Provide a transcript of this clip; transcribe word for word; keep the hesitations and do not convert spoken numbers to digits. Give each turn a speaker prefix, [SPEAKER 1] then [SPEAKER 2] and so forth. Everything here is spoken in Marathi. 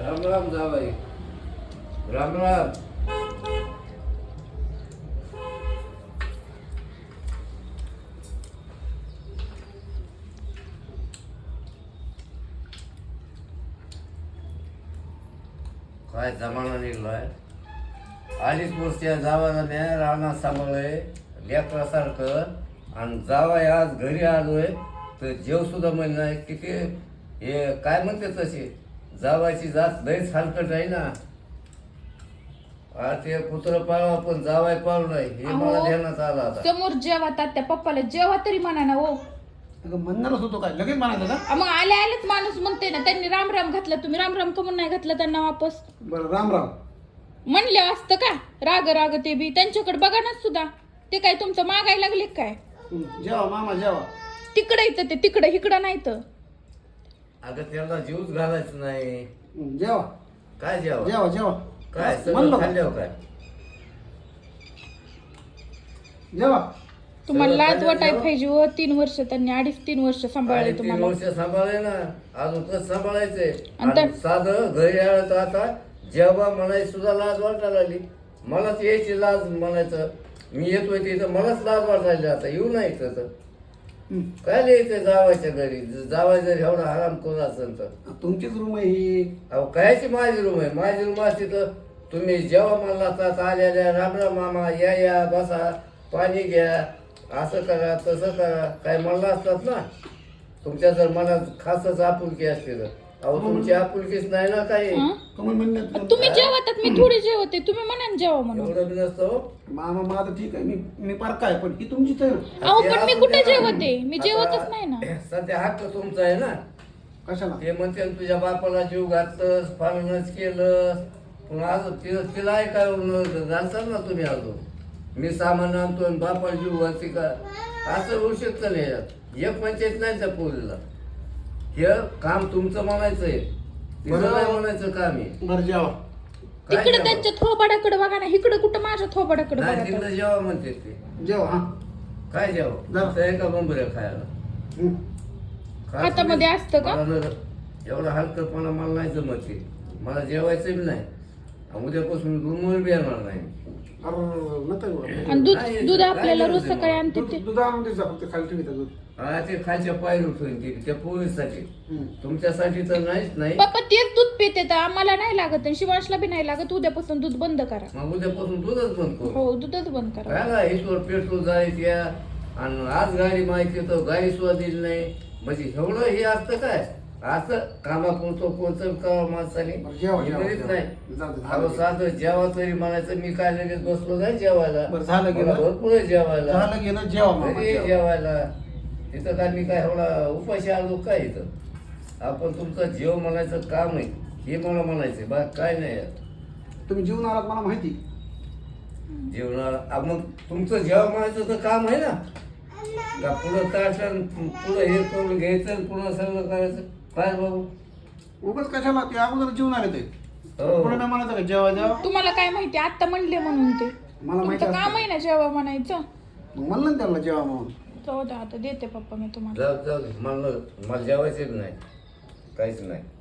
[SPEAKER 1] राम राम जावाई. राम राम. काय जमाना निघलाय. अडीच वर्ष जावाला मी रानात सांभाळलंय लेकरासारखं, आणि जावाय आज घरी आलोय तर जेव सुद्धा म्हणजे नाही. किती हे काय म्हणते तशी जावायची जात लयच हलकट आहे ना. ते कुत्र पाळवा पण जावाय पाळू नाही हे मला ध्यानात आलं आता.
[SPEAKER 2] समोर जेवा तात्या पप्पाला जेवा तरी म्हणा ना. हो
[SPEAKER 3] म्हणणारच होतो काय लगेच म्हणायचं का?
[SPEAKER 2] मग आले आलेच माणूस म्हणते ना. त्यांनी राम राम घातला, तुम्ही राम राम कमून नाही घातला त्यांना वापस?
[SPEAKER 3] बरं राम राम
[SPEAKER 2] म्हणले असतं का राग राग? ते बी त्यांच्याकडे बघा ना सुद्धा. ते काय तुमचं मागायला लागले काय?
[SPEAKER 3] जेवा मामा जेवा.
[SPEAKER 2] तिकडे येतं ते, तिकडे इकडं नाही तर.
[SPEAKER 1] अगं त्याला जीवच घालायचं नाही.
[SPEAKER 3] जेवा
[SPEAKER 1] काय जेवा
[SPEAKER 3] जेवा जेवा
[SPEAKER 1] काय
[SPEAKER 3] म्हणलं
[SPEAKER 1] सगळं
[SPEAKER 3] का?
[SPEAKER 1] खाल्ल्यावर काय
[SPEAKER 3] जेवा.
[SPEAKER 2] तुम्हाला
[SPEAKER 1] सगळं
[SPEAKER 2] लाज
[SPEAKER 1] खाल्ल्यावर
[SPEAKER 2] वाटाय
[SPEAKER 1] जेवा?
[SPEAKER 2] पाहिजे. व तीन वर्ष त्यांनी अडीच तीन वर्ष सांभाळले
[SPEAKER 1] आणि तीन
[SPEAKER 2] तुम्हाला.
[SPEAKER 1] वर्ष सांभाळले ना, अजून कसं सांभाळायचंय.
[SPEAKER 2] आणि
[SPEAKER 1] आणि
[SPEAKER 2] त्या-
[SPEAKER 1] साधं घरी आलं तर आता जेव्हा म्हणायची सुद्धा लाज वाटायला लागली. मलाच यायची लाज म्हणायचं. मी येतोय तिथं मलाच लाज वाटायला. आता येऊ नाही इथं तर
[SPEAKER 3] हं.
[SPEAKER 1] काय लिहायचं जावायच्या घरी. जावाय जर एवढा आराम करून असेल तर
[SPEAKER 3] तुमचीच रूम आहे ही.
[SPEAKER 1] अहो कायची माझी रूम आहे. माझी रूम असते तर तुम्ही जेव्हा म्हणला तर आलेल्या राम राम मामा या या बसा पाणी घ्या असं करा तसं करा काय म्हणलं असतात ना. तुमच्या जर मनात खासच आपुलकी असते तर. अहो तुमची आपुलकीच नाही ना काही.
[SPEAKER 2] हं?
[SPEAKER 3] कमल म्हणण्यात
[SPEAKER 2] तुम्ही जेवतात, मी थोडी जेवते, तुम्ही म्हणा जेवा म्हणून.
[SPEAKER 1] एवढं बी नसतं हो.
[SPEAKER 3] मामा माझं ठीक आहे. मी मी पार काय पण ही तुमचीच आहे ना.
[SPEAKER 2] अहो
[SPEAKER 1] ते
[SPEAKER 2] पण मी
[SPEAKER 1] असू
[SPEAKER 2] कुठे
[SPEAKER 1] द्या ना.
[SPEAKER 2] जेवते? मी
[SPEAKER 1] आता
[SPEAKER 2] जेवतच नाही ना.
[SPEAKER 1] सध्या हक्क तुमचा आहे ना.
[SPEAKER 3] कशाला?
[SPEAKER 1] ते म्हणते ना, तुझ्या बापाला जीव घातलंस पालनच केलं पण अजून तिला तिला ऐकाय घालतात ना तुम्ही. अजून मी सामान आणतो आणि बापाला जीव घालते का असं होऊ शकतं नाही. यात एक पंचायत नाही त्या पोरीला. हे काम तुमचं म्हणायचंय, तिचं नाही म्हणायचं काम आहे.
[SPEAKER 3] बरं जेवा.
[SPEAKER 1] काय
[SPEAKER 2] तिकडे
[SPEAKER 1] जेवा?
[SPEAKER 2] त्यांच्या थोबाडाकडे बघा ना, इकडे कुठं माझ्या थोबाडाकडे
[SPEAKER 1] नाही
[SPEAKER 2] बघा.
[SPEAKER 1] तिकडे जेवा म्हणते ते.
[SPEAKER 3] जेवा हा.
[SPEAKER 1] काय जेवा
[SPEAKER 3] जा.
[SPEAKER 1] तुमचं आहे का बंबऱ्या खायला?
[SPEAKER 3] हं.
[SPEAKER 1] खा
[SPEAKER 2] हातामध्ये
[SPEAKER 1] तुम्ही.
[SPEAKER 2] असतं का?
[SPEAKER 1] मला जर एवढा हलकटपणा मला नाही जमत ते. मला जेवायचं बी नाही. उद्यापासून रूमवर बी येणार नाही.
[SPEAKER 3] अरे नको
[SPEAKER 2] आणि दूध
[SPEAKER 1] काय
[SPEAKER 2] दूध
[SPEAKER 1] काय
[SPEAKER 2] आपल्याला रोज
[SPEAKER 1] गरज आहे
[SPEAKER 2] सकाळी
[SPEAKER 1] मग?
[SPEAKER 2] आणते
[SPEAKER 3] दूध
[SPEAKER 2] ते.
[SPEAKER 3] दूध आणून दे जा फक्त खाली ठेवी दूध.
[SPEAKER 1] हा ते खालच्या पायरी उठून ते त्या पोरीसाठी.
[SPEAKER 3] हं.
[SPEAKER 1] तुमच्यासाठी तर नाहीच नाही.
[SPEAKER 2] पप्पा तेच दूध पिते तर आम्हाला नाही लागत आणि शिवांशला बी नाही लागत. उद्यापासून दूध बंद करा.
[SPEAKER 1] मग उद्यापासून दूधच बंद करू.
[SPEAKER 2] हो दूधच बंद करा.
[SPEAKER 1] काय ना इथवर पेट्रोल जायच या आणि आज गाडी माहिती तर गाडी सुद्धा दिली नाही. म्हणजे एवढं हे असतं काय असं कामापुरतो कोणतं का माणसाने
[SPEAKER 3] बरं, जेवा, जेवा,
[SPEAKER 1] करीत
[SPEAKER 3] जेवा.
[SPEAKER 1] नाही.
[SPEAKER 3] जाऊ दे,
[SPEAKER 1] अहो
[SPEAKER 3] झालं.
[SPEAKER 1] साधं जेवा तरी म्हणायचं. मी काय लगेच बसलो नाही जेवायला.
[SPEAKER 3] बरं, झालं गेलं.
[SPEAKER 1] मला भरपूर आहे जेवायला.
[SPEAKER 3] झालं गेलं जेवा मामा
[SPEAKER 1] घरी
[SPEAKER 3] जेवा.
[SPEAKER 1] जेवायला तिथं काय मी काय एवढा उपाशी आलो काय इथं. आपण तुमचं जेव म्हणायचं काम आहे हे मला म्हणायचं बा काय नाही यात.
[SPEAKER 3] तुम्ही जेवून आलात मला माहिती.
[SPEAKER 1] जेवणाला मग तुमचं जेव्हा म्हणायचं तर काम आहे ना. का पुढं ताटण पुढं हे करून घ्यायचं आणि पुन्हा सगळं करायचं. काय बाबू
[SPEAKER 3] उगाच कशाला ते अगोदर जेवून आले ते.
[SPEAKER 1] हो.
[SPEAKER 3] पुढे नाही म्हणायचं का जेवा जेवा.
[SPEAKER 2] तुम्हाला काय माहिती आता म्हणले म्हणून ते.
[SPEAKER 3] मला माहिती
[SPEAKER 2] तुमचं काम
[SPEAKER 3] असतं.
[SPEAKER 2] आहे ना जेव्हा म्हणायचं.
[SPEAKER 3] मग म्हणलं ना त्याला जेवा म्हणून.
[SPEAKER 2] जाऊ द्या आता देते पप्पा मी तुम्हाला.
[SPEAKER 1] जाऊ जाऊ दे. मला मला जेवायचं नाही काहीच नाही.